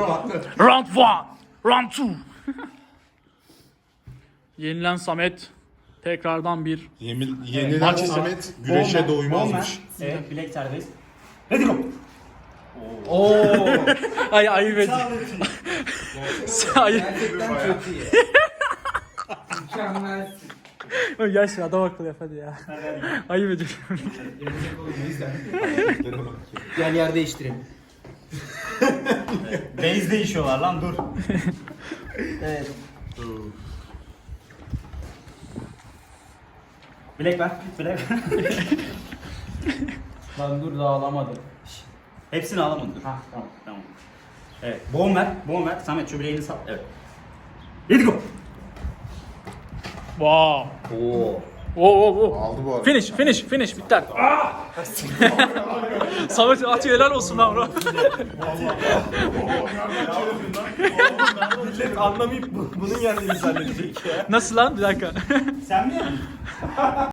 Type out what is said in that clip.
Round 1. Round 2. Yenilen Samet tekrardan bir Yenilen Maç Samet güreşe doymazmış. Evet, bilek serbest. Hadi go. ay ayıp ediyor. Ayıp. Gerçekten çok iyi. Mükemmelsin. Gel şu adam akıllı yap hadi ya. Ayıp ediyor. Gel yer değiştirelim. Base değişiyorlar lan dur. Evet. Bilek ver, bilek ver. Lan dur daha alamadım. Hepsini alamadım dur. Ha tamam. Evet, boğum ver, Samet şu bileğini sal. Evet. Hadi go. Wow. Oo. Aldı bu arada. Finish. Bitter. Samet atıyor helal olsun lan bro. Anlamayıp bunun yendiğini zannedecek ya. Nasıl lan? Bir dakika. Sen mi?